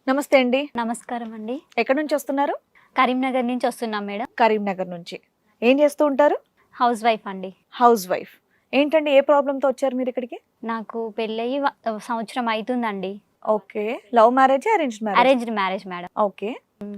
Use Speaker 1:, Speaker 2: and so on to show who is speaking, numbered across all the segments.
Speaker 1: నమస్తే అండి.
Speaker 2: నమస్కారం అండి.
Speaker 1: ఎక్కడి నుంచి వస్తున్నారు?
Speaker 2: కరీంనగర్ నుంచి వస్తున్నాం మేడం.
Speaker 1: కరీంనగర్ నుంచి. ఏం చేస్తూ ఉంటారు?
Speaker 2: హౌస్ వైఫ్ అండి.
Speaker 1: Housewife. ఏంటండి ఏ ప్రాబ్లంతో వచ్చారు మీరు ఇక్కడికి?
Speaker 2: నాకు పెళ్ళయి సంవత్సరం అవుతుందండి.
Speaker 1: Okay. Love marriage, arranged marriage?
Speaker 2: Arranged marriage madam.
Speaker 1: Okay.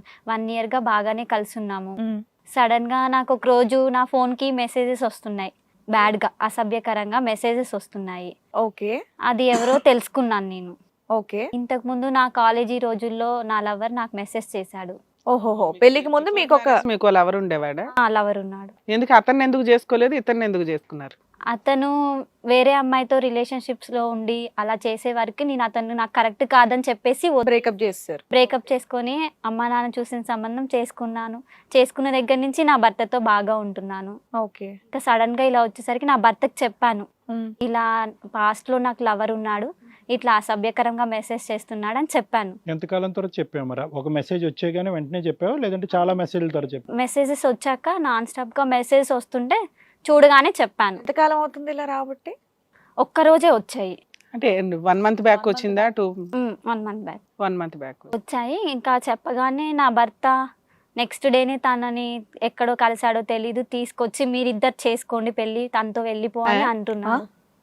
Speaker 2: 1 year గా బాగానే కలుసున్నాము.
Speaker 1: మ్.
Speaker 2: సడన్ గా నాకు ఒక రోజు నా ఫోన్ కి మెసేజెస్ వస్తున్నాయి. బ్యాడ్ గా, అసభ్యకరంగా మెసేజెస్ వస్తున్నాయి.
Speaker 1: ఓకే.
Speaker 2: అది ఎవరో తెలుసుకున్నాను నేను.
Speaker 1: ఓకే.
Speaker 2: ఇంతకు ముందు నా కాలేజీ రోజుల్లో నా లవర్ నాకు మెసేజ్ చేశాడు.
Speaker 1: ఓహోహో. పెళ్లికి ముందు
Speaker 3: మీకు లవర్ ఉండేవాడా?
Speaker 2: ఆ లవర్ ఉన్నాడు.
Speaker 3: ఎందుకు అతన్ని ఎందుకు చేసుకోలేదు, ఇతన్ని ఎందుకు చేసుకున్నారు?
Speaker 2: అతను వేరే అమ్మాయితో రిలేషన్షిప్స్ లో ఉండి అలా చేసే వరకు నేను అతను నాకు కరెక్ట్ కాదని చెప్పేసి
Speaker 1: బ్రేకప్ చేస్తారు.
Speaker 2: బ్రేకప్ చేసుకొని అమ్మా నాన్న చూసిన సంబంధం చేసుకున్నాను. చేసుకున్న దగ్గర నుంచి నా భర్తతో బాగా ఉంటున్నాను.
Speaker 1: ఓకే.
Speaker 2: ఇంకా సడన్ గా ఇలా వచ్చేసరికి నా భర్తకు చెప్పాను,
Speaker 1: మ్.
Speaker 2: ఇలా పాస్ట్ లో నాకు లవర్ ఉన్నాడు, ఇట్లా అసభ్యకరంగా మెసేజ్ చేస్తున్నాడు అని చెప్పాను.
Speaker 4: ఎంతకాలం తర్వాత చెప్పావు మరి? ఒక మెసేజ్ వచ్చేగానే వెంటనే చెప్పావా, లేదంటే చాలా మెసేజ్ల తర్వాత చెప్పావు?
Speaker 2: మెసేజెస్ వచ్చాక నాన్ స్టాప్ గా మెసేజెస్ వస్తుంటే చూడగానే చెప్పాను.
Speaker 1: ఎంతకాలం అవుతుంది ఇలా రాబట్టి?
Speaker 2: ఒక్కరోజే వచ్చాయి.
Speaker 3: అంటే 1 month బ్యాక్ వచ్చిందా?
Speaker 2: 1 month బ్యాక్
Speaker 3: 1 month బ్యాక్
Speaker 2: వచ్చాయి. ఇంకా చెప్పగానే నా భర్త నెక్స్ట్ డేనే తనని ఎక్కడో కలిసాడో తెలీదు, తీసుకొచ్చి మీరిద్దరు చేసుకోండి పెళ్లి, తనతో వెళ్ళిపో అని అంటున్నాడు.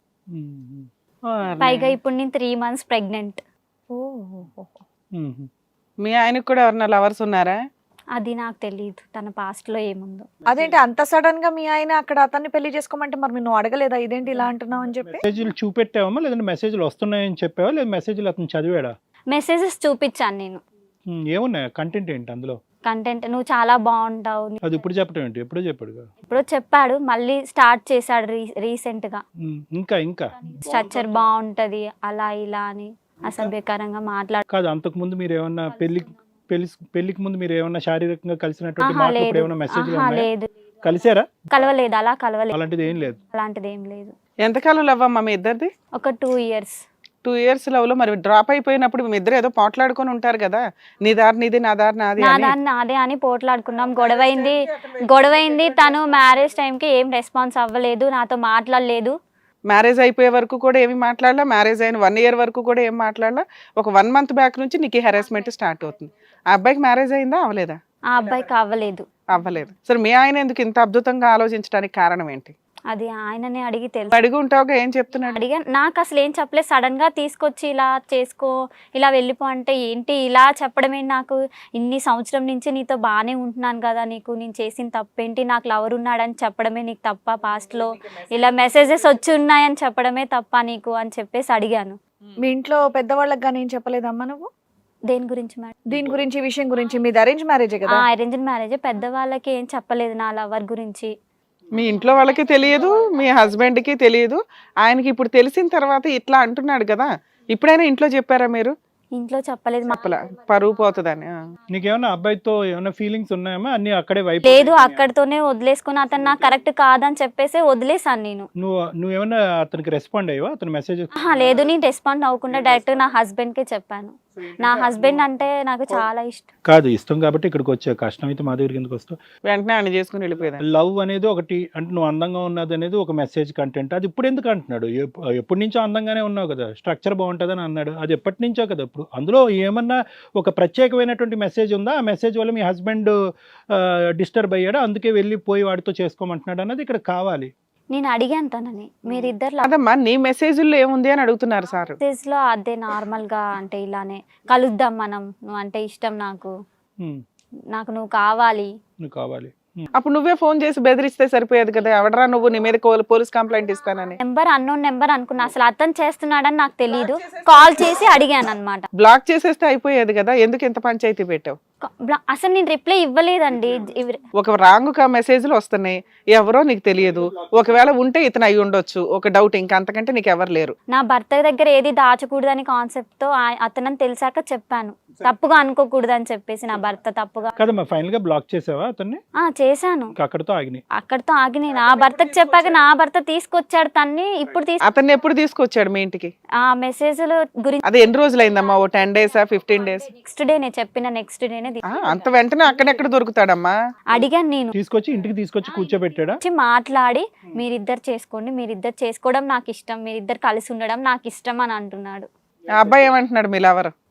Speaker 4: మ్మ్.
Speaker 2: పైగా ఇప్పుడు నేను 3 months ప్రెగ్నెంట్.
Speaker 1: ఓహో.
Speaker 4: మ్మ్.
Speaker 3: మీ ఆయనకు కూడా ఎవరన్నా లవర్స్ ఉన్నారా?
Speaker 2: అది నాకు తెలియదు తన పాస్ట్ లో ఏముందో.
Speaker 1: అదేంటి అంత సడన్ గా మీ ఆయన అక్కడ అతన్ని పెళ్లి చేసుకోమంటే మరి నువ్వు అడగలేదా ఇదేంటి ఇలా అంటున్నావు అని చెప్పి?
Speaker 4: మెసేజ్లు చూపెట్టావమ్మా, లేదంటే మెసేజ్లు వస్తున్నాయని చెప్పావా, లేదా మెసేజ్లు అతను చదివాడా?
Speaker 2: మెసేజెస్ చూపించాను నేను.
Speaker 4: ఏమున్నాయి కంటెంట్ ఏంటి అందులో?
Speaker 2: కంటెంట్ నువ్వు చాలా బాగుంటావు.
Speaker 4: అది ఇప్పుడు చెప్పడం ఏంటి? ఎప్పుడో చెప్పాడు కదా.
Speaker 2: ఎప్పుడో చెప్పాడు, మళ్ళీ స్టార్ట్ చేశాడు రీసెంట్ గా.
Speaker 4: ఇంకా
Speaker 2: స్ట్రక్చర్ బాగుంటది అలా ఇలా అని అసభ్యకరంగా మాట్లాడు.
Speaker 4: కాదు, అంతకు ముందు మీరు ఏమన్నా పెళ్లికి ముందు మీరు ఏమన్నా శారీరకంగా కలిసినటువంటి మాటలు
Speaker 2: లేదు.
Speaker 4: ఇప్పుడు ఏమన్నా మెసేజ్లు
Speaker 2: లేదు,
Speaker 4: కలిసారా?
Speaker 2: కలవలేదు, అలా కలవలేదు.
Speaker 4: అలాంటిది ఏం లేదు.
Speaker 2: అలాంటిది ఏం లేదు.
Speaker 3: ఎంతకాలం లవ్ అమ్మా మీ ఇద్దరిది?
Speaker 2: ఒక 2 years.
Speaker 3: 2 years లవ్ లో మరి డ్రాప్ అయిపోయినప్పుడు మీ ఇద్దరు ఏదో పోట్లాడుకొని ఉంటారు కదా, నీ దారి నీది నా దారి నాది
Speaker 2: నా
Speaker 3: అని.
Speaker 2: దాన్ని నాదే అని పోట్లాడుకున్నాం. గొడవైంది. తను మ్యారేజ్ టైంకి ఏం రెస్పాన్స్ అవ్వలేదు, నాతో మాట్లాడలేదు.
Speaker 3: మ్యారేజ్ అయిపోయే వరకు కూడా ఏమి మాట్లాడలా, మ్యారేజ్ అయిన 1 year వరకు కూడా ఏం మాట్లాడలా. ఒక 1 month బ్యాక్ నుంచి నీకు హెరాస్మెంట్ స్టార్ట్ అవుతుంది. ఆ అబ్బాయికి మ్యారేజ్ అయిందా, అవ్వలేదా?
Speaker 2: ఆ అబ్బాయికి అవ్వలేదు.
Speaker 3: అవ్వలేదు. సరే, మీ ఆయన ఎందుకు ఇంత అద్భుతంగా ఆలోచించడానికి కారణం ఏంటి?
Speaker 2: అది ఆయననే అడిగి తెలుసు.
Speaker 3: అడిగి ఉంటావుగా, ఏం చెప్తున్నాడు?
Speaker 2: అడిగా, నాకు అసలు ఏం చెప్పలేదు. సడన్ గా తీసుకొచ్చి ఇలా చేసుకో, ఇలా వెళ్ళిపో అంటే ఏంటి ఇలా చెప్పడమే? నాకు ఇన్ని సంవత్సరం నుంచి నీతో బాగానే ఉంటున్నాను కదా, నీకు నేను చేసిన తప్పేంటి? నాకు లవర్ ఉన్నాడని చెప్పడమే నీకు తప్ప? పాస్ట్ లో ఇలా మెసేజెస్ వచ్చి ఉన్నాయని చెప్పడమే తప్ప నీకు అని చెప్పేసి అడిగాను.
Speaker 1: మీ ఇంట్లో పెద్దవాళ్ళకి కానీ ఏం చెప్పలేదమ్మా నువ్వు?
Speaker 2: దేని గురించి మేడం?
Speaker 1: దీని గురించి, ఈ విషయం గురించి? మీది అరేంజ్ మ్యారేజే కదా?
Speaker 2: Arranged marriage. పెద్దవాళ్ళకి ఏం చెప్పలేదు నా లవర్ గురించి.
Speaker 3: మీ ఇంట్లో వాళ్ళకి తెలియదు, మీ హస్బెండ్ కి తెలియదు. ఆయనకి ఇప్పుడు తెలిసిన తర్వాత ఇట్లా అంటున్నాడు కదా, ఇప్పుడైనా ఇంట్లో చెప్పారా మీరు?
Speaker 2: ఇంట్లో చెప్పలేదు.
Speaker 3: చెప్పలా, పరువు పోతుందని.
Speaker 4: నీకేమన్నా అబ్బాయితో ఏమైనా ఫీలింగ్స్ ఉన్నాయమ్మా? అన్ని అక్కడే వైపు
Speaker 2: లేదు, అక్కడితోనే వదిలేసుకుని అతను నాకు కరెక్ట్ కాదని చెప్పేసి వదిలేసాను నేను.
Speaker 4: నువ్వేమన్నా అతనికి రెస్పాండ్ అయ్యావా అతని మెసేజ్?
Speaker 2: లేదు, నేను రెస్పాండ్ అవ్వకుండా డైరెక్ట్ నా హస్బెండ్ కే చెప్పాను. నా హస్బెండ్ అంటే నాకు చాలా ఇష్టం.
Speaker 4: కాదు, ఇష్టం కాబట్టి ఇక్కడికి వచ్చా. కష్టం అయితే మా దగ్గరికి ఎందుకు వస్తావు?
Speaker 3: వెంటనే ఆయన చేసుకుని వెళ్ళిపోయాను.
Speaker 4: లవ్ అనేది ఒకటి, అంటే నువ్వు అందంగా ఉన్నది అనేది ఒక మెసేజ్ కంటెంట్. అది ఇప్పుడు ఎందుకు అంటున్నాడు? ఎప్పటి నుంచో అందంగానే ఉన్నావు కదా, స్ట్రక్చర్ బాగుంటుందని అన్నాడు. అది ఎప్పటి నుంచో కదా. ఇప్పుడు అందులో ఏమన్నా ఒక ప్రత్యేకమైనటువంటి మెసేజ్ ఉందా? ఆ మెసేజ్ వల్ల మీ హస్బెండ్ డిస్టర్బ్ అయ్యాడు, అందుకే వెళ్ళిపోయి వాడితో చేసుకోమంటున్నాడు అన్నది ఇక్కడ కావాలి.
Speaker 2: నేను అడిగాను తనని, మీరిద్దరు
Speaker 3: అదమ్మా నీ మెసేజ్లో ఏముంది అని అడుగుతున్నారు సార్.
Speaker 2: మెసేజ్ లో అదే నార్మల్ గా అంటే ఇలానే కలుద్దాం మనం, నువ్వు అంటే ఇష్టం నాకు, నాకు నువ్వు కావాలి.
Speaker 4: నువ్వు కావాలి.
Speaker 3: అప్పుడు నువ్వే ఫోన్ చేసి బెదిరిస్తే సరిపోయేది కదా, ఎవడరా నువ్వు, నీ మీద పోలీస్ కంప్లైంట్ ఇస్తానని.
Speaker 2: నెంబర్ అన్నోన్ నెంబర్ అనుకున్నా, అసలు అతను చేస్తున్నాడని నాకు తెలియదు. కాల్ చేసి అడిగాను అనమాట.
Speaker 3: బ్లాక్ చేసేస్తే అయిపోయేది కదా, ఎందుకు ఇంత పంచాయతీ పెట్టావు?
Speaker 2: అసలు నేను రిప్లై ఇవ్వలేదండి.
Speaker 3: ఒక రాంగ్ మెసేజ్లు వస్తున్నాయి, ఎవరో నీకు తెలియదు. ఒకవేళ ఉంటే ఇతను అయి ఉండొచ్చు, ఒక డౌట్. ఇంకా అంతకంటే నీకు ఎవరు లేరు.
Speaker 2: నా భర్త దగ్గర ఏది దాచకూడదని కాన్సెప్ట్ తో అతనని తెలిసాక చెప్పాను, తప్పుగా అనుకోకూడదని చెప్పేసి. నా భర్త తప్పుగా
Speaker 4: కదమ్మా, ఫైనల్ గా బ్లాక్ చేసావా అతన్ని?
Speaker 2: చేశాను.
Speaker 4: అక్కడితో
Speaker 2: ఆగినాయి. నా భర్తకు చెప్పాక నా భర్త తీసుకొచ్చాడు తన్ని. ఇప్పుడు
Speaker 3: అతన్ని ఎప్పుడు తీసుకొచ్చాడు మీ ఇంటికి?
Speaker 2: ఆ మెసేజ్ల గురించి
Speaker 3: అది ఎన్ని రోజులైందమ్మా? ఓ 10 days 15 days?
Speaker 2: నెక్స్ట్ డే నేను చెప్పిన నెక్స్ట్ డేనే
Speaker 3: అంత వెంటనే అక్కడెక్కడ దొరుకుతాడమ్మా?
Speaker 2: అడిగాను నేను.
Speaker 4: ఇంటికి తీసుకొచ్చి కూర్చోబెట్టాడా?
Speaker 2: మాట్లాడి మీరిద్దరు చేసుకోండి, మీరిద్దరు చేసుకోవడం నాకు ఇష్టం, మీరిద్దరు కలిసి ఉండడం నాకు ఇష్టం అని అంటున్నాడు.
Speaker 3: ఆ అబ్బాయి ఏమంటున్నాడు మీ లవర్?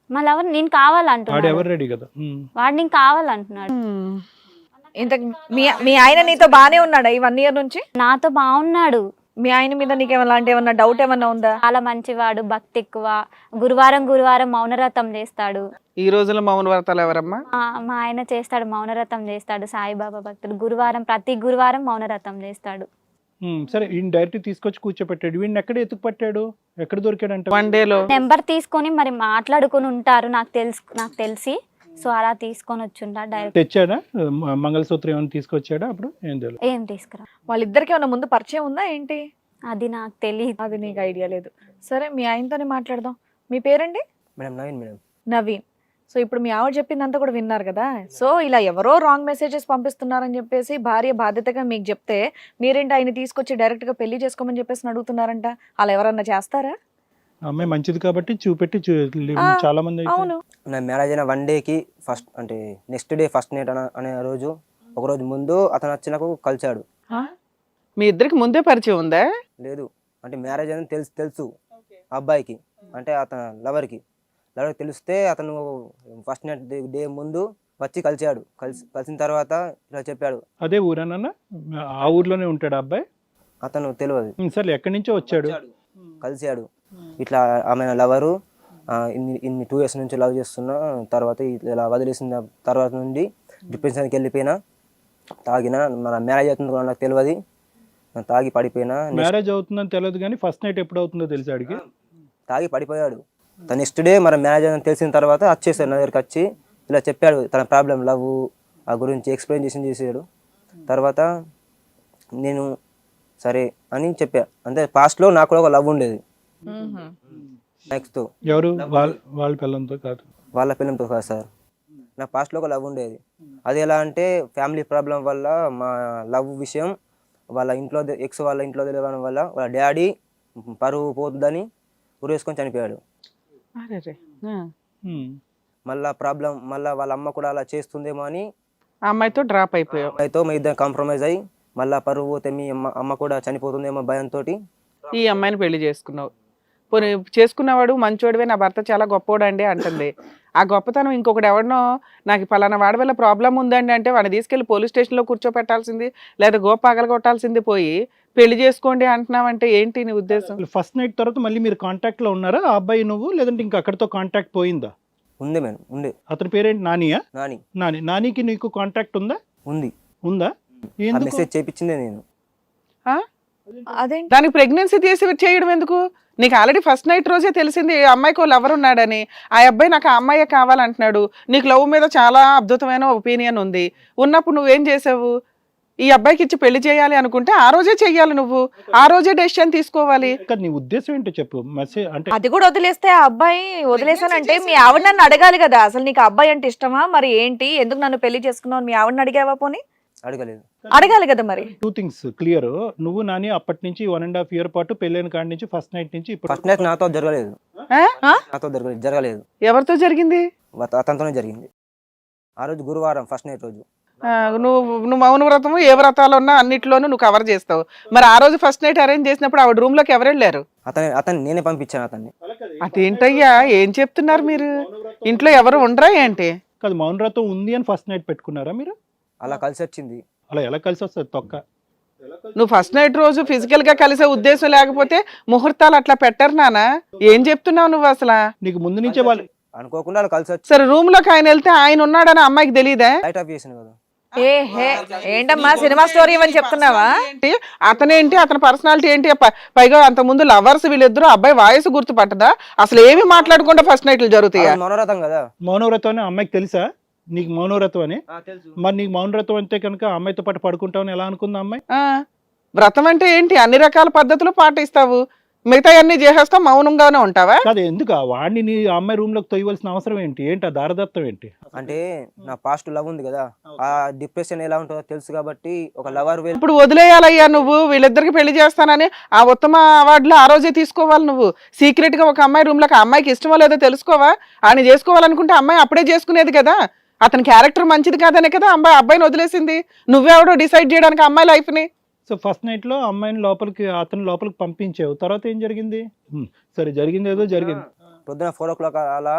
Speaker 2: మా లవర్ నేను కావాలంటున్నాడు,
Speaker 4: వాడు ఎవరు రెడీ కదా.
Speaker 2: వాడు నేను కావాలంటున్నాడు.
Speaker 1: ఇంత మీ ఆయన నీతో బానే ఉన్నాడా ఈ 1 year నుంచి?
Speaker 2: నాతో బాగున్నాడు.
Speaker 1: మీ ఆయన మీద నీకు ఏమన్నా డౌట్ ఏమన్నా ఉందా?
Speaker 2: చాలా మంచివాడు, భక్తి ఎక్కువ, గురువారం మౌనరథం చేస్తాడు.
Speaker 3: ఈ రోజుల్లో మౌన వ్రతాలు ఎవరమ్మా?
Speaker 2: మా ఆయన చేస్తాడు, మౌనరథం చేస్తాడు, సాయిబాబా భక్తుడు. ప్రతి గురువారం మౌనరథం చేస్తాడు.
Speaker 4: సరే, ఈయన డైరెక్ట్ తీసుకొచ్చి కూర్చోపెట్టాడు. వీడిని ఎక్కడ ఎత్తుకు పట్టాడు, ఎక్కడ దొరికాడు అంటే?
Speaker 3: 1 day లో
Speaker 2: నెంబర్ తీసుకొని మరి మాట్లాడుకొని ఉంటారు నాకు తెలిసి. సో అలా తీసుకొని వచ్చుంటా డైరెక్ట్.
Speaker 4: తెచ్చాడా మంగళసూత్రం ఏమైనా తీసుకొచ్చాడా? అప్పుడు ఏం తెలియదు.
Speaker 2: ఏం తీసుకురా.
Speaker 1: వాళ్ళిద్దరికి ఏమన్నా ముందు పరిచయం ఉందా ఏంటి?
Speaker 2: అది నాకు తెలియదు.
Speaker 1: అది నీకు ఐడియా లేదు. సరే, మీ ఆయనతోనే మాట్లాడదాం. మీ పేరండి?
Speaker 5: Madam Naveen madam.
Speaker 1: Naveen. So ఇప్పుడు మీ ఆవిడ చెప్పిందంతా కూడా విన్నారు కదా. సో ఇలా ఎవరో రాంగ్ మెసేజెస్ పంపిస్తున్నారని చెప్పేసి భార్య బాధ్యతగా మీకు చెప్తే మీరేంటి ఆయన తీసుకొచ్చి డైరెక్ట్ గా పెళ్లి చేసుకోమని చెప్పేసి అడుగుతున్నారంట. అలా ఎవరన్నా చేస్తారా?
Speaker 4: అమ్మాయి మంచిది కాబట్టి చూపెట్టి చాలా మంది అయితే.
Speaker 1: అవును.
Speaker 5: నా మ్యారేజ్ అయిన 1 dayకి ఫస్ట్ అంటే నెక్స్ట్ డే ఫస్ట్ నైట్ అనే రోజు ఒక రోజు ముందు అతను వచ్చి నాకు కలిశాడు.
Speaker 3: మీ ఇద్దరికి ముందే పరిచయం ఉందా?
Speaker 5: లేదు, అంటే మ్యారేజ్ అని తెలుసు ఆ అబ్బాయికి, అంటే అతను లవర్కి తెలిస్తే అతను ఫస్ట్ నైట్ డే ముందు వచ్చి కలిశాడు. కలిసిన తర్వాత ఇలా చెప్పాడు.
Speaker 4: అదే ఊరేనన్నా? ఆ ఊర్లోనే ఉంటాడు అబ్బాయి?
Speaker 5: అతను తెలియదు.
Speaker 4: సరే, ఎక్కడి నుంచో వచ్చాడు,
Speaker 5: కలిశాడు. ఇట్లా ఆమె లవరు ఇన్ని 2 years నుంచి లవ్ చేస్తున్నా, తర్వాత ఇలా వదిలేసిన తర్వాత నుండి డిప్రెషన్కి వెళ్ళిపోయినా, తాగిన, మన మ్యారేజ్ అవుతుంది కూడా నాకు తెలియదు, తాగి పడిపోయినా.
Speaker 4: మ్యారేజ్ అవుతుందని తెలియదు కానీ ఫస్ట్ నైట్ ఎప్పుడు అవుతుందో తెలుసు అడిగి.
Speaker 5: తాగి పడిపోయాడు. నెక్స్ట్ డే మన మ్యారేజ్ అని తెలిసిన తర్వాత వచ్చేసాడు నా దగ్గరికి. వచ్చి ఇలా చెప్పాడు తన ప్రాబ్లం, లవ్ ఆ గురించి ఎక్స్ప్లెయిన్ చేసాడు. తర్వాత నేను సరే అని చెప్పా. అంటే పాస్ట్లో నాకు కూడా ఒక లవ్ ఉండేది. నెక్స్ట్
Speaker 4: ఎవరు? వాళ్ళ పిల్లలతో కాదు,
Speaker 5: వాళ్ళ పిల్లలతో కాదు సార్. నా పాస్ట్లో ఒక లవ్ ఉండేది. అది ఎలా అంటే ఫ్యామిలీ ప్రాబ్లం వల్ల మా లవ్ విషయం వాళ్ళ ఇంట్లో వాళ్ళ ఇంట్లో తెలియడం వల్ల వాళ్ళ డాడీ పరువు పోతుందని ఉరేసుకొని చనిపోయాడు. మళ్ళా ప్రాబ్లం, మళ్ళీ వాళ్ళ అమ్మ కూడా అలా చేస్తుందేమో అని
Speaker 3: ఆ అమ్మాయితో డ్రాప్ అయిపోయావు.
Speaker 5: అమ్మాయితో మీ ఇద్దరు కాంప్రమైజ్ అయ్యి మళ్ళీ పరువు పోతే మీ అమ్మ కూడా చనిపోతుందేమో భయంతో
Speaker 3: ఈ అమ్మాయిని పెళ్లి చేసుకున్నావు. పోనీ చేసుకున్నవాడు మంచోడివే, నా భర్త చాలా గొప్పోడు అండి అంటుంది. ఆ గొప్పతనం ఇంకొకటి ఎవరినో నాకు పలానా వాడి వల్ల ప్రాబ్లం ఉందండి అంటే వాడిని తీసుకెళ్లి పోలీస్ స్టేషన్లో కూర్చోపెట్టాల్సింది, లేదా గోపాగలు కొట్టాల్సింది పోయి పెళ్లి చేసుకోండి అంటున్నావంటే ఏంటి నీ ఉద్దేశం?
Speaker 4: ఫస్ట్ నైట్ తర్వాత మళ్ళీ మీరు కాంటాక్ట్ లో ఉన్నారా ఆ అబ్బాయి నువ్వు, లేదంటే ఇంకా అక్కడితో కాంటాక్ట్ పోయిందా?
Speaker 5: ఉంది మేడం, ఉంది.
Speaker 4: అతని పేరేంటి? నానియా?
Speaker 5: నాని.
Speaker 4: నానికి నీకు కాంటాక్ట్ ఉందా? ఉందా?
Speaker 5: మెసేజ్ చేయించిందే నేను.
Speaker 1: అదేంటి?
Speaker 3: దానికి ప్రెగ్నెన్సీ తీసి చేయడం ఎందుకు? నీకు ఆల్రెడీ ఫస్ట్ నైట్ రోజే తెలిసింది ఈ అమ్మాయికి వాళ్ళు ఎవరు ఉన్నాడని. ఆ అబ్బాయి నాకు ఆ అమ్మాయే కావాలంటున్నాడు. నీకు లవ్ మీద చాలా అద్భుతమైన ఒపీనియన్ ఉంది. ఉన్నప్పుడు నువ్వేం చేసావు? ఈ అబ్బాయికి ఇచ్చి పెళ్లి చేయాలి అనుకుంటే ఆ రోజే చెయ్యాలి, నువ్వు ఆ రోజే డెసిషన్ తీసుకోవాలి.
Speaker 4: నీ ఉద్దేశం ఏంటో చెప్పు. మెసేజ్ అంటే
Speaker 1: అది కూడా వదిలేస్తే ఆ అబ్బాయి వదిలేసానంటే మీ ఆవిడ నన్ను అడగాలి కదా, అసలు నీకు అబ్బాయి అంటే ఇష్టమా, మరి ఏంటి, ఎందుకు నన్ను పెళ్లి చేసుకున్నావు, మీ ఆవిడని అడిగావా? పోనీ అడగాలి కదా. మరి 2
Speaker 4: things క్లియర్. నువ్వు నాని అప్పటి నుంచి 1.5 year పాటు పెళ్ళైన కాడి నుంచి ఫస్ట్ నైట్ నుంచి
Speaker 5: ఫస్ట్ నైట్ నాతో జరగలేదు. జరగలేదు.
Speaker 3: ఎవరితో జరిగింది?
Speaker 5: అతనితోనే జరిగింది. ఆ రోజు గురువారం ఫస్ట్ నైట్ రోజు.
Speaker 3: నువ్వు మౌన వ్రతము ఏ వ్రతాలు ఉన్నా అన్నిట్లోనూ నువ్వు కవర్ చేస్తావు. మరి ఆ రోజు ఫస్ట్ నైట్ అరేంజ్ చేసినప్పుడు ఆవిడ రూమ్ లోకి ఎవరు వెళ్ళారు?
Speaker 5: అతన్ని నేనే పంపించాను. అతన్ని.
Speaker 3: అదేంటయ్యా ఏం చెప్తున్నారు మీరు? ఇంట్లో ఎవరు ఉండరా ఏంటి?
Speaker 4: కాదు, మౌన వ్రతం ఉంది అని ఫస్ట్ నైట్ పెట్టుకున్నారా మీరు?
Speaker 5: అలా కలిసి వచ్చింది.
Speaker 4: అలా ఎలా కలిసి వస్తుంది తొక్క?
Speaker 3: నువ్వు ఫస్ట్ నైట్ రోజు ఫిజికల్ గా కలిసే ఉద్దేశం లేకపోతే ముహూర్తాలు అట్లా పెట్టరు నానా. ఏం చెప్తున్నావు నువ్వు అసలు?
Speaker 4: నీకు ముందు నుంచే వాళ్ళు
Speaker 5: అనుకోకుండా కలిసి వచ్చి
Speaker 3: సరే రూమ్ లోకి ఆయన వెళ్తే ఆయన ఉన్నాడని అమ్మాయికి తెలియదా?
Speaker 5: లైట్ ఆఫ్ చేసాను కదా.
Speaker 1: ఏంటమ్మా సినిమా స్టోరీ అని చెప్తున్నావా?
Speaker 3: అతనేంటి, అతని పర్సనాలిటీ ఏంటి? పైగా అంత ముందు లవర్స్ వీళ్ళిద్దరు, అబ్బాయి వాయిస్ గుర్తుపట్టదా? అసలు ఏమి మాట్లాడకుండా ఫస్ట్ నైట్లు జరుగుతాయా?
Speaker 5: మౌనవ్రతం కదా.
Speaker 4: మౌనవ్రతం అని అమ్మాయికి తెలుసా? నీకు మౌనవ్రతం అని? మరి నీకు మౌనవ్రతం అంటే కనుక అమ్మాయితో పాటు పడుకుంటావని ఎలా అనుకుందా అమ్మాయి?
Speaker 3: వ్రతం అంటే ఏంటి? అన్ని రకాల పద్ధతులు పాటిస్తావు, మిగతా అన్ని చేసేస్తావు, మౌనంగానే ఉంటావా?
Speaker 4: కాదు, ఎందుకు వాడిని నీ అమ్మాయి రూమ్ లోకి తొయ్యవలసిన అవసరం ఏంటి? ఏంటి ఆ దారదత్తం ఏంటి?
Speaker 5: అంటే నా పాస్ట్ లవ్ ఉంది కదా, ఆ డిప్రెషన్ ఎలా ఉంటుందో తెలుసు కాబట్టి ఒక లవర్.
Speaker 3: ఇప్పుడు వదిలేయాలయ్యా నువ్వు, వీళ్ళిద్దరికి పెళ్లి చేస్తానని ఆ ఉత్తమ అవార్డులు ఆ రోజే తీసుకోవాలి. నువ్వు సీక్రెట్ గా ఒక అమ్మాయి రూమ్ లోకి, అమ్మాయికి ఇష్టమో లేదో తెలుసుకోవా? ఆయన చేసుకోవాలనుకుంటే అమ్మాయి అప్పుడే చేసుకునేది కదా. అతని క్యారెక్టర్ మంచిది కాదనే కదా అబ్బాయిని వదిలేసింది. నువ్వెవడో డిసైడ్ చేయడానికి అమ్మాయి లైఫ్ ని.
Speaker 4: సో ఫస్ట్ నైట్ లో అమ్మాయిని లోపలికి, అతను లోపలికి పంపించావు, తర్వాత ఏం జరిగింది? సరే, జరిగింది ఏదో జరిగింది.
Speaker 5: పొద్దున 4 o'clock అలా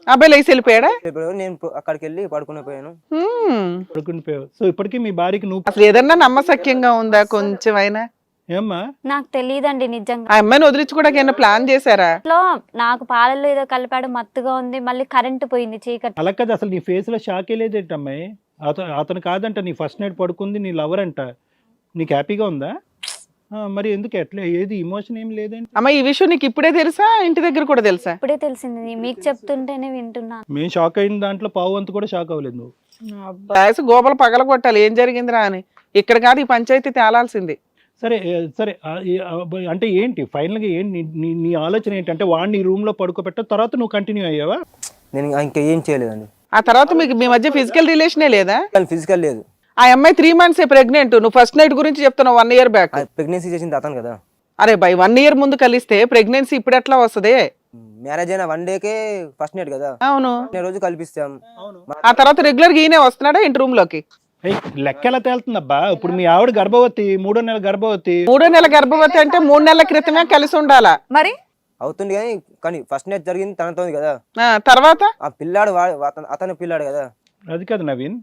Speaker 3: అబ్బాయి లేచి వెళ్ళిపోయాడా?
Speaker 5: నేను అక్కడికి వెళ్ళి పడుకుని పోయాను.
Speaker 4: పడుకుని పోయావు. సో ఇప్పటికీ మీ భార్యకి నువ్వు
Speaker 3: అసలు ఏదన్నా నమ్మసక్యంగా ఉందా కొంచెం అయినా?
Speaker 4: ఏమ్మా
Speaker 2: నాకు తెలియదండి నిజంగా.
Speaker 3: ఆ అమ్మాయిని వదిలించుకోవడానికి ఏమైనా ప్లాన్ చేశారా?
Speaker 2: ఇంట్లో నాకు పాలలో ఏదో కలిపాడు, మత్తుగా ఉంది, మళ్ళీ కరెంటు పోయింది, చీకటి.
Speaker 4: అలా కదా, అసలు నీ ఫేస్ లో షాకే లేదేంటి అమ్మాయి? అతను కాదంట నీ ఫస్ట్ నైట్ పడుకుంది, నీ లవర్ అంట. నీకు హ్యాపీగా ఉందా? మరి ఎందుకు ఎట్లా ఏది ఇమోషన్ ఏం లేదండి?
Speaker 3: అమ్మ ఈ విషయం నీకు ఇప్పుడే తెలుసా, ఇంటి దగ్గర కూడా తెలుసా?
Speaker 2: ఇప్పుడే తెలిసింది, మీకు చెప్తుంటేనే వింటున్నాను.
Speaker 4: మేము షాక్ అయిన దాంట్లో పావు వంతు కూడా షాక్ అవ్వలేదు నువ్వు.
Speaker 3: రాసి గోపలు పగల కొట్టాలి ఏం జరిగిందిరా అని. ఇక్కడ కాదు ఈ పంచాయతీ తేలాల్సింది.
Speaker 4: సరే సరే అంటే ఏంటి ఫైనల్ గా ఏంటి నీ ఆలోచన ఏంటంటే వాడిని రూమ్ లో పడుకోబెట్ట తర్వాత నువ్వు కంటిన్యూ అయ్యావా?
Speaker 5: నేను ఇంకా ఏం చేయలేదండి.
Speaker 3: ఆ తర్వాత మీకు మీ మధ్య ఫిజికల్ రిలేషనే లేదా?
Speaker 5: ఫిజికల్ లేదు.
Speaker 3: ఆ అమ్మాయి 3 months ప్రెగ్నెంట్, నువ్వు ఫస్ట్ నైట్ గురించి చెప్తున్నావు 1 year బ్యాక్.
Speaker 5: ప్రెగ్నెన్సీ చేసింది అతను కదా.
Speaker 3: అరే బై 1 year ముందు కలిస్తే ప్రెగ్నెన్సీ ఇప్పుడు ఎట్లా వస్తుంది?
Speaker 5: మ్యారేజ్ అయిన 1 day ఫస్ట్ నైట్ కదా.
Speaker 3: అవును,
Speaker 5: రోజు కల్పిస్తాం.
Speaker 3: ఆ తర్వాత రెగ్యులర్ గా ఈయనే వస్తున్నాడా ఇంటి రూమ్ లోకి?
Speaker 4: లెక్క ఎలా తేలుతుందబ్బా? ఇప్పుడు మీ ఆవిడ గర్భవతి, 3వ నెల గర్భవతి.
Speaker 3: 3వ నెల గర్భవతి అంటే 3 నెలల క్రితమే కలిసి ఉండాలా
Speaker 1: మరి?
Speaker 5: అవుతుంది కానీ ఫస్ట్ నైట్ జరిగింది తనతో కదా.
Speaker 3: తర్వాత
Speaker 5: ఆ పిల్లాడు అతని పిల్లాడు కదా.
Speaker 4: అది కాదు నవీన్,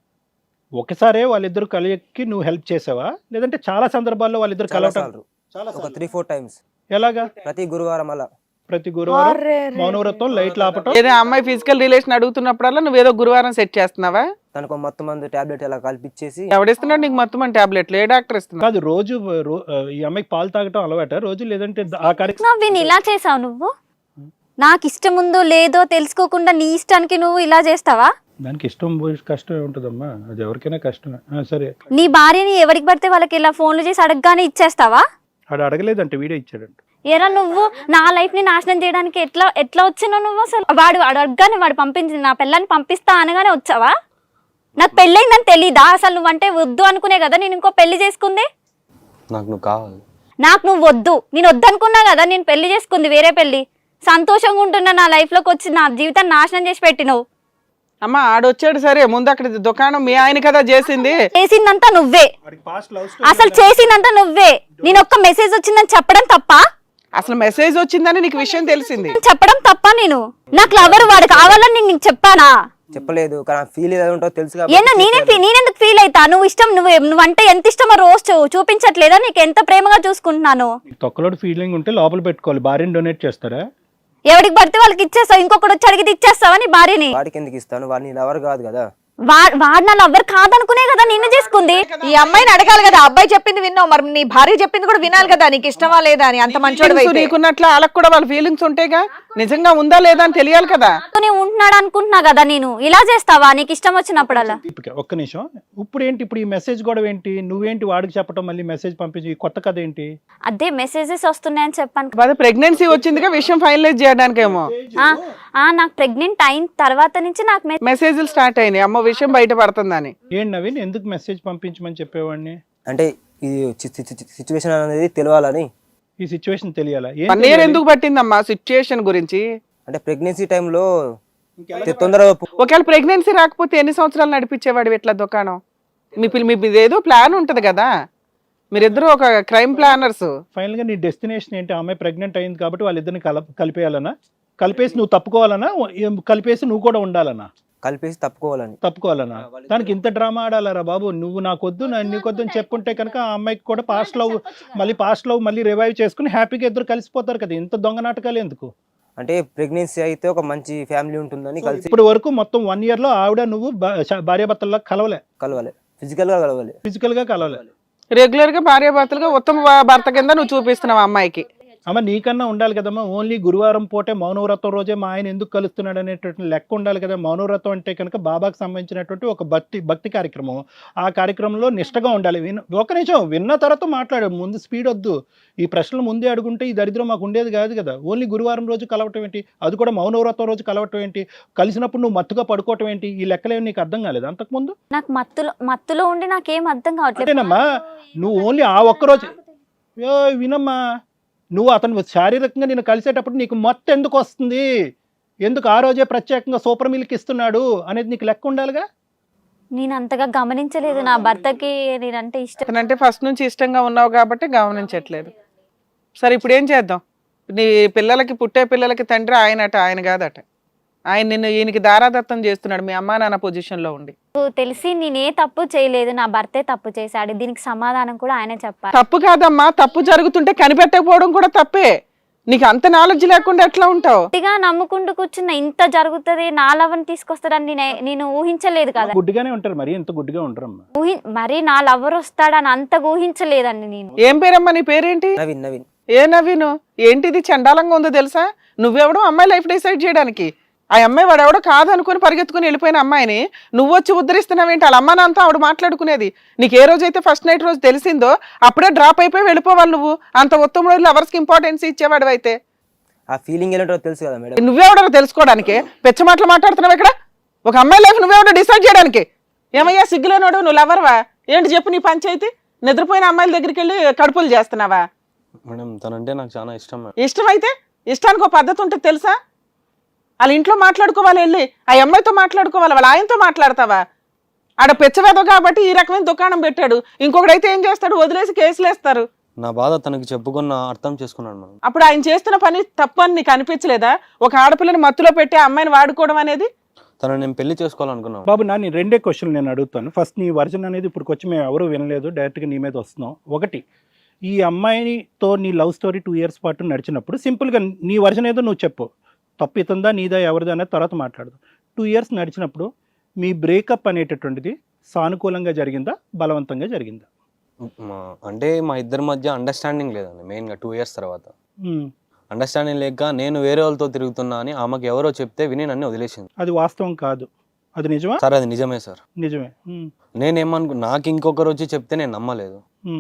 Speaker 4: ఒకసారే వాళ్ళిద్దరు కలియకి నువ్వు హెల్ప్ చేసావా, లేదంటే చాలా సందర్భాల్లో వాళ్ళిద్దరు కలవటం?
Speaker 5: ఒక 3-4 times.
Speaker 4: ఎలాగా?
Speaker 5: ప్రతి గురువారం అలా.
Speaker 4: ప్రతి గురువారం మౌనవ్రతం, లైట్లు ఆపటం.
Speaker 3: ఏదో అమ్మాయి ఫిజికల్ రిలేషన్ అడుగుతున్నప్పుడల్లా నువ్వేదో గురువారం సెట్ చేస్తున్నావా?
Speaker 5: తనకు మొత్తం మంది టాబ్లెట్ అలా కల్పించేసి.
Speaker 3: ఎవడిస్తున్నాడు నీకు మొత్తం మంది టాబ్లెట్లు? ఏ డాక్టర్ ఇస్తున్నా?
Speaker 4: కాదు, రోజు ఈ అమ్మాయికి పాలు తాగటం అలవాట రోజు, లేదంటే ఆ కార్యక్రమం?
Speaker 2: నవ్విని ఇలా చేసావు నువ్వు? నాకు ఇష్టం ఉందో లేదో తెలుసుకోకుండా నీ ఇష్టానికి నువ్వు ఇలా చేస్తావా?
Speaker 4: దానికి ఇష్టం కష్టం ఉంటుందమ్మా, అది ఎవరికైనా కష్టమే. సరే,
Speaker 2: నీ భార్యని ఎవరికి పడితే వాళ్ళకి ఇలా ఫోన్లు చేసి అడగగానే ఇచ్చేస్తావా?
Speaker 4: ఆడు అడగలేదంటే వీడే ఇచ్చాడంట.
Speaker 2: ఎరా నువ్వు నా లైఫ్ ని నాశనం చేయడానికి ఎట్లా వచ్చినావు నువ్వు? అసలు వాడు అడగగానే వాడు పంపించింది, నా పిల్లని పంపిస్తా అనగానే వచ్చావా? నాకు పెళ్ళయిందని తెలీదా? అసలు నువ్వంటే వద్దు అనుకునే కదా నేను ఇంకో పెళ్లి చేసుకుంది.
Speaker 5: నాకు నువ్వు కావాలి.
Speaker 2: నాకు నువ్వు వద్దు, నేను వద్దనుకున్నా కదా నేను పెళ్లి చేసుకుంది, వేరే పెళ్లి. సంతోషంగా ఉంటున్నా, నా లైఫ్ లోకి వచ్చి నా జీవితాన్ని నాశనం చేసి పెట్టినవు.
Speaker 3: అమ్మ ఆడొచ్చాడు సరే, ముందు అక్కడ దుకాణం మీ ఆయన కదా చేసింది.
Speaker 2: చేసిందంతా నువ్వే, అసలు చేసిందంతా నువ్వే. నేను ఒక్క మెసేజ్ వచ్చిందని చెప్పడం తప్ప?
Speaker 3: అసలు మెసేజ్ వచ్చిందని నీకు విషయం తెలిసింది
Speaker 2: చెప్పడం తప్ప? నేను నాకు లవర్ వాడు కావాలని నీకు చెప్పానా?
Speaker 5: చెప్పలేదు, కానీ ఫీల్ ఏదో ఉంటుందో తెలుసు.
Speaker 2: నేనెందుకు ఫీల్ అవుతా? నువ్వు ఇష్టం, నువ్వంటే ఎంత ఇష్టమో రోజు చూపించట్లేదా? నీకు ఎంత ప్రేమగా చూసుకుంటున్నాను.
Speaker 4: తొక్కలోడు ఫీలింగ్ ఉంటే లోపల పెట్టుకోవాలి. భార్యని డొనేట్ చేస్తారా?
Speaker 2: ఎవరికి పడితే వాళ్ళకి ఇచ్చేస్తావు, ఇంకొకటి వచ్చి అడిగితే ఇచ్చేస్తావా నీ భార్యని?
Speaker 5: వాడికి ఎందుకు ఇస్తాను? వాడిని లవర్ కాదు కదా.
Speaker 2: వాడు నా లవర్ కాదనుకునే కదా నిన్ను చేసుకుంది.
Speaker 1: ఈ అమ్మాయిని అడగాలి కదా, అబ్బాయి చెప్పింది విన్నావు, మరి నీ భార్య చెప్పింది కూడా వినాలి కదా, నీకు ఇష్టమా లేదా అని. అంత మంచోడు
Speaker 3: నీకున్నట్లు వాళ్ళకి కూడా వాళ్ళ ఫీలింగ్స్ ఉంటాయిగా, నిజంగా ఉందా లేదా అని తెలియాలి కదా.
Speaker 2: ఉంటున్నాడు అనుకుంటున్నా కదా నేను. ఇలా చేస్తావా నీకు ఇష్టం వచ్చినప్పుడల్లా?
Speaker 4: ఒక్క నిమిషం, ఇప్పుడు ఏంటి ఇప్పుడు ఈ మెసేజ్ కూడా ఏంటి? నువ్వేంటి వాడికి చెప్పడం, మళ్ళీ మెసేజ్ పంపించి కొత్త కథ ఏంటి?
Speaker 2: అదే మెసేజెస్ వస్తున్నాయని చెప్పాను.
Speaker 3: అదే ప్రెగ్నెన్సీ వచ్చిందిగా, విషయం ఫైనలైజ్ చేయడానికేమో.
Speaker 2: నాకు ప్రెగ్నెంట్ అయిన తర్వాత నుంచి నాకు
Speaker 3: మెసేజ్లు స్టార్ట్ అయినాయి, అమ్మ విషయం బయట పడుతుందని.
Speaker 4: ఏంటి నవీన్, ఎందుకు మెసేజ్ పంపించమని చెప్పేవాడిని?
Speaker 5: అంటే ఈ సిచ్యువేషన్ అనేది తెలియాలని.
Speaker 4: ఈ సిచ్యువేషన్ తెలియాలా?
Speaker 3: 1 year ఎందుకు పట్టిందమ్మా సిచ్యువేషన్ గురించి?
Speaker 5: అంటే ప్రెగ్నెన్సీ టైంలో తొందరగా.
Speaker 3: ఒకవేళ ప్రెగ్నెన్సీ రాకపోతే ఎన్ని సంవత్సరాలు నడిపించేవాడు ఇట్లా దుకాణం? మీ ఏదో ప్లాన్ ఉంటది కదా, మీరిద్దరు ఒక క్రైమ్ ప్లానర్స్.
Speaker 4: ఫైనల్ గా నీ డెస్టినేషన్ ఏంటి? ఆమె ప్రెగ్నెంట్ అయింది కాబట్టి వాళ్ళిద్దరిని కలిపేయాలనా? కలిపేసి నువ్వు తప్పుకోవాలనా? కలిపేసి నువ్వు కూడా ఉండాలనా?
Speaker 5: కలిపేసి
Speaker 4: తప్పుకోవాలనా? దానికి ఇంత డ్రామా ఆడాలరా బాబు? నువ్వు నాకొద్దు నీకొద్దు అని చెప్పుంటే కనుక ఆ అమ్మాయికి కూడా పాస్ట్ లవ్ మళ్ళీ రివైవ్ చేసుకుని హ్యాపీగా ఇద్దరు కలిసిపోతారు కదా. ఇంత దొంగ నాటకాలు ఎందుకు?
Speaker 5: అంటే ప్రెగ్నెన్సీ అయితే ఒక మంచి ఫ్యామిలీ ఉంటుందని కలిసి.
Speaker 4: ఇప్పుడు వరకు మొత్తం 1 year లో ఆవిడ నువ్వు భార్యాభర్తల్లో కలవాలి.
Speaker 5: ఫిజికల్ గా కలవాలి.
Speaker 3: రెగ్యులర్ గా భార్యాభర్తలుగా ఉత్తమ భర్త కింద నువ్వు చూపిస్తున్నావు అమ్మాయికి.
Speaker 4: అమ్మ నీకన్నా ఉండాలి కదమ్మా. ఓన్లీ గురువారం పూటే మౌనవ్రతం రోజే మా ఆయన ఎందుకు కలుస్తున్నాడు అనేటువంటి లెక్క ఉండాలి కదా. మౌనవ్రతం అంటే కనుక బాబాకు సంబంధించినటువంటి ఒక భక్తి కార్యక్రమం. ఆ కార్యక్రమంలో నిష్టగా ఉండాలి. ఒక నిమిషం విన్న తర్వాత మాట్లాడు, ముందు స్పీడ్ వద్దు. ఈ ప్రశ్నలు ముందే అడుగుంటే ఈ దరిద్రం మాకు ఉండేది కాదు కదా. ఓన్లీ గురువారం రోజు కలవటం ఏంటి? అది కూడా మౌనవ్రతం రోజు కలవటం ఏంటి? కలిసినప్పుడు నువ్వు మత్తుగా పడుకోవటం ఏంటి? ఈ లెక్కలేమి నీకు అర్థం కాలేదు అంతకుముందు?
Speaker 2: నాకు మత్తులో ఉండి నాకేం అర్థం కావట్లేదు.
Speaker 4: అంతేనమ్మా, నువ్వు ఓన్లీ ఆ ఒక్కరోజు వినమ్మా, నువ్వు అతను శారీరకంగా నేను కలిసేటప్పుడు నీకు మత్తు ఎందుకు వస్తుంది, ఎందుకు ఆ రోజే ప్రత్యేకంగా సూపర్ మిల్క్ ఇస్తున్నాడు అనేది నీకు లెక్క ఉండాలిగా.
Speaker 2: నేను అంతగా గమనించలేదు, నా భర్తకి నేనంటే ఇష్టం.
Speaker 3: అంటే ఫస్ట్ నుంచి ఇష్టంగా ఉన్నావు కాబట్టి గమనించట్లేదు. సరే ఇప్పుడు ఏం చేద్దాం? నీ పుట్టే పిల్లలకి తండ్రి ఆయనట, ఆయన కాదట. ఆయన నిన్ను ఈయనకి దారాదత్తం చేస్తున్నాడు మీ అమ్మా నాన్న పొజిషన్ లో ఉండి.
Speaker 2: నాకు తెలిసి నేనే తప్పు చేయలేదు, నా భర్తే తప్పు చేశాడు. దీనికి సమాధానం కూడా ఆయనే చెప్పాలి.
Speaker 3: తప్పు కాదమ్మా, తప్పు జరుగుతుంటే కనిపెట్టకపోవడం కూడా తప్పే. నీకు అంత నాలెడ్జ్ లేకుండా ఎట్లా ఉంటావు?
Speaker 2: గట్టిగా నమ్ముకుంటూ కూర్చున్న ఇంత జరుగుతుంది, నా లవర్ని తీసుకొస్తాడని నేను ఊహించలేదు కదా.
Speaker 4: గుడ్డిగానే ఉంటారు, మరి ఎంత గుడ్డిగా ఉంటారమ్మా.
Speaker 2: మరి నా లవర్ వస్తాడని అంతగా ఊహించలేదండి నేను.
Speaker 3: ఏం పేరమ్మా నీ పేరేంటి?
Speaker 5: నవీన్ నవీన్
Speaker 3: ఏ నవీను? ఏంటిది చండాలంగా ఉందో తెలుసా? నువ్వెవడో అమ్మాయి లైఫ్ డిసైడ్ చేయడానికి. ఆ అమ్మాయి వాడెవడో కాదనుకుని పరిగెత్తుకుని వెళ్ళిపోయిన అమ్మాయిని నువ్వు వచ్చి ఉద్ధరిస్తున్నావేంటి? వాళ్ళ అమ్మ నాన్నతో ఆవిడ మాట్లాడుకునేది. నీకు ఏ రోజైతే ఫస్ట్ నైట్ రోజు తెలిసిందో అప్పుడే డ్రాప్ అయిపోయి వెళ్ళిపోవాలి నువ్వు. అంత ఉత్తమ రోజులు లవర్స్కి ఇంపార్టెన్స్ ఇచ్చేవాడు అయితే.
Speaker 5: ఆ ఫీలింగ్ ఏంటో తెలుసు కదా మేడం.
Speaker 3: నువ్వెవడో తెలుసుకోవడానికి పెచ్చ మాటలు మాట్లాడుతున్నావు ఇక్కడ. ఒక అమ్మాయి లైఫ్ నువ్వెవడో డిసైడ్ చేయడానికి. ఏమయ్యా సిగ్గులేనోడు, నువ్వు లవర్వా ఏంటి చెప్పు నీ పంచాయతీ? నిద్రపోయిన అమ్మాయిల దగ్గరికి వెళ్ళి కడుపులు చేస్తున్నావా?
Speaker 6: మేడం తనంటే నాకు చాలా ఇష్టం మేడం.
Speaker 3: ఇష్టమైతే ఇష్టానికి ఒక పద్ధతి ఉంటుంది తెలుసా? వాళ్ళ ఇంట్లో మాట్లాడుకోవాలి, వెళ్ళి ఆ అమ్మాయితో మాట్లాడుకోవాలి, వాళ్ళ ఆయనతో మాట్లాడతావా? ఆడ పెచ్చవేదో కాబట్టి ఈ రకమైన దుకాణం పెట్టాడు. ఇంకొకడైతే ఏం చేస్తాడు? వదిలేసి కేసులు వేస్తారు.
Speaker 6: నా బాధ తనకి చెప్పుకున్న అర్థం చేసుకున్నాను మేడం.
Speaker 3: అప్పుడు ఆయన చేస్తున్న పని తప్పు అని నీకు అనిపించలేదా? ఒక ఆడపిల్లని మత్తులో పెట్టి ఆ అమ్మాయిని వాడుకోవడం అనేది.
Speaker 6: తను నేను పెళ్లి చేసుకోవాలనుకున్నాను.
Speaker 4: బాబు నా రెండే క్వశ్చన్లు నేను అడుగుతాను. ఫస్ట్ నీ వర్జన్ అనేది ఇప్పుడు వచ్చి మేము ఎవరు వినలేదు, డైరెక్ట్గా నీ మీద వస్తున్నాం. ఒకటి, ఈ అమ్మాయితో నీ లవ్ స్టోరీ 2 years పాటు నడిచినప్పుడు సింపుల్గా నీ వర్జన్ ఏదో నువ్వు చెప్పు, తప్పు ఇతుందా నీదా ఎవరిదా అనేది తర్వాత మాట్లాడదు. 2 years నడిచినప్పుడు మీ బ్రేకప్ అనేటటువంటిది సానుకూలంగా జరిగిందా, బలవంతంగా జరిగిందా?
Speaker 6: అంటే మా ఇద్దరి మధ్య అండర్స్టాండింగ్ లేదండి. మెయిన్గా 2 years తర్వాత అండర్స్టాండింగ్ లేక నేను వేరే వాళ్ళతో తిరుగుతున్నా అని ఆమెకు ఎవరో చెప్తే విని నన్ను వదిలేసింది.
Speaker 4: అది వాస్తవం కాదు, అది నిజమా?
Speaker 6: సార్ అది నిజమే సార్.
Speaker 4: నిజమే.
Speaker 6: నేనేమనుకు నాకు ఇంకొకరు వచ్చి చెప్తే నేను నమ్మలేదు,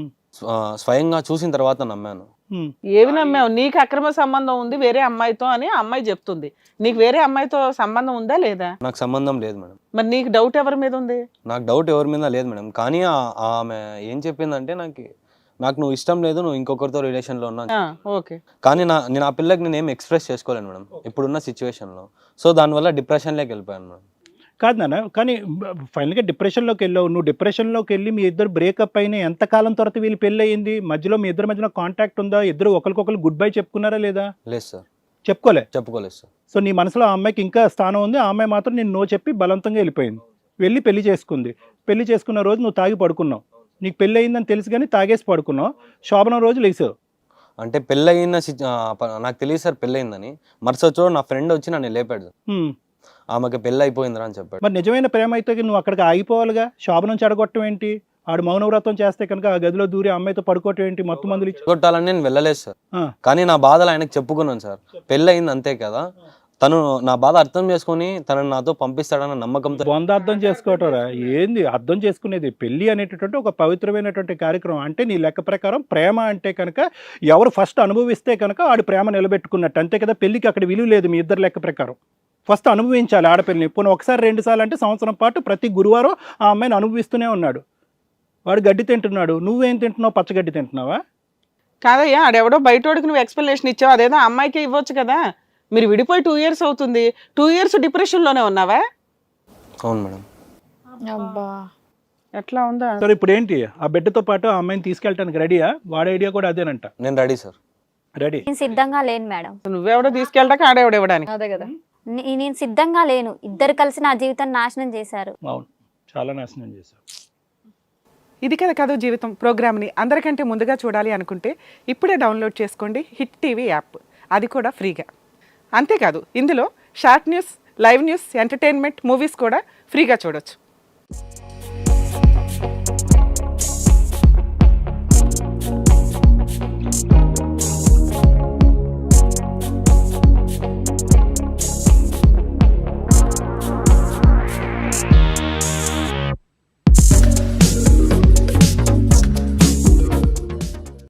Speaker 6: స్వయంగా చూసిన తర్వాత నమ్మాను.
Speaker 3: ఏవి నమ్మావు? నీకు అక్రమ సంబంధం ఉంది వేరే అమ్మాయితో అని ఆ అమ్మాయి చెప్తుంది. నీకు వేరే అమ్మాయితో సంబంధం ఉందా లేదా?
Speaker 6: నాకు సంబంధం లేదు మేడం.
Speaker 3: మరి నీకు డౌట్ ఎవరి మీద ఉంది?
Speaker 6: నాకు డౌట్ ఎవరి మీద లేదు మేడం. కానీ ఆమె ఏం చెప్పిందంటే నాకు నువ్వు ఇష్టం లేదు, నువ్వు ఇంకొకరితో రిలేషన్లో ఉన్నా.
Speaker 3: ఓకే.
Speaker 6: కానీ నేను ఆ పిల్లకి నేను ఏం ఎక్స్ప్రెస్ చేసుకోలేను మేడం ఇప్పుడున్న సిచ్యువేషన్లో. సో దానివల్ల డిప్రెషన్లోకి వెళ్ళిపోయాను మేడం.
Speaker 4: కాదు నాన్న, కానీ ఫైనల్గా డిప్రెషన్లోకి వెళ్ళావు. నువ్వు డిప్రెషన్లోకి వెళ్ళి మీ ఇద్దరు బ్రేకప్ అయిన ఎంతకాలం తర్వాత వీళ్ళు పెళ్ళి అయ్యింది? మధ్యలో మీ ఇద్దరి మధ్యన కాంటాక్ట్ ఉందా? ఇద్దరు ఒకరికొకరు గుడ్ బై చెప్పుకున్నారా లేదా?
Speaker 6: లేదు సార్, చెప్పుకోలేదు సార్.
Speaker 4: సో నీ మనసులో ఆ అమ్మాయికి ఇంకా స్థానం ఉంది, ఆ అమ్మాయి మాత్రం నేను నో చెప్పి బలవంతంగా వెళ్ళిపోయింది, వెళ్ళి పెళ్లి చేసుకుంది. పెళ్లి చేసుకున్న రోజు నువ్వు తాగి పడుకున్నావు, నీకు పెళ్ళి అయిందని తెలుసు కానీ తాగేసి పడుకున్నావు. శోభనం రోజు లేచావు.
Speaker 6: అంటే పెళ్ళయిన నాకు తెలియదు సార్ పెళ్ళయిందని. మరుసటి నా ఫ్రెండ్ వచ్చి నన్ను లేపాడు, ఆమెకి పెళ్ళి అయిపోయిందిరా అని చెప్పాడు.
Speaker 4: మరి నిజమైన ప్రేమ అయితే నువ్వు అక్కడికి ఆగిపోవాలిగా. శోభనం చెడగొట్టడం ఏంటి? ఆడు మౌనవ్రతం చేస్తే కనుక ఆ గదిలో దూరి అమ్మాయితో పడుకోవటం ఏంటి? మొత్తం మందులు
Speaker 6: కొట్టాలని నేను వెళ్ళలేదు సార్. కానీ నా బాధలు ఆయనకు చెప్పుకున్నాను సార్. పెళ్ళి అయింది అంతే కదా, తను నా బాధ అర్థం చేసుకుని తనని నాతో పంపిస్తాడన్న నమ్మకంతో.
Speaker 4: వంద అర్థం చేసుకోవటరా ఏంది అర్థం చేసుకునేది? పెళ్లి అనేటటువంటి ఒక పవిత్రమైనటువంటి కార్యక్రమం. అంటే నీ లెక్క ప్రకారం ప్రేమ అంటే కనుక ఎవరు ఫస్ట్ అనుభవిస్తే కనుక ఆడు ప్రేమ నిలబెట్టుకున్నట్టు అంతే కదా. పెళ్లికి అక్కడ విలువ లేదు మీ ఇద్దరు లెక్క ప్రకారం. ఫస్ట్ అనుభవించాలి ఆడపిల్లని. పోనీ ఒకసారి 2 సార్లు అంటే సంవత్సరం పాటు ప్రతి గురువారం ఆ అమ్మాయిని అనుభవిస్తూనే ఉన్నాడు. వాడు గడ్డి తింటున్నాడు, నువ్వేం తింటున్నావు? పచ్చగడ్డి తింటున్నావా?
Speaker 3: కాదయ్యా, ఆడెవడో బయటోడికి నువ్వు ఎక్స్ప్లెనేషన్ ఇచ్చావు, అదేదో అమ్మాయికి ఇవ్వచ్చు కదా. మీరు విడిపోయి 2 years అవుతుంది, 2 years డిప్రెషన్లోనే ఉన్నావా?
Speaker 6: అవును మేడం.
Speaker 1: అబ్బా,
Speaker 3: ఎట్లా ఉందా?
Speaker 4: సరే ఇప్పుడు ఏంటి? ఆ బిడ్డతో పాటు ఆ అమ్మాయిని తీసుకెళ్ళడానికి రెడీయా? వాడి ఐడియా కూడా అదేనంట.
Speaker 6: నేను రెడీ సార్.
Speaker 4: రెడీ?
Speaker 2: నేను సిద్ధంగా లేను మేడం.
Speaker 3: నువ్వెవడో తీసుకెళ్ళడానికి ఆడేవాడు ఇవ్వడానికి.
Speaker 1: అదే కదా.
Speaker 2: నేను సిద్ధంగా లేను. ఇద్దరు కలిసి నా జీవితాన్ని నాశనం చేశారు.
Speaker 4: అవును, చాలా నాశనం చేశారు.
Speaker 3: ఇది కదా జీవితం ప్రోగ్రామ్ని అందరికంటే ముందుగా చూడాలి అనుకుంటే ఇప్పుడే డౌన్లోడ్ చేసుకోండి హిట్ టీవీ యాప్, అది కూడా ఫ్రీగా. అంతేకాదు ఇందులో short news, live news, entertainment, movies కూడా ఫ్రీగా చూడొచ్చు.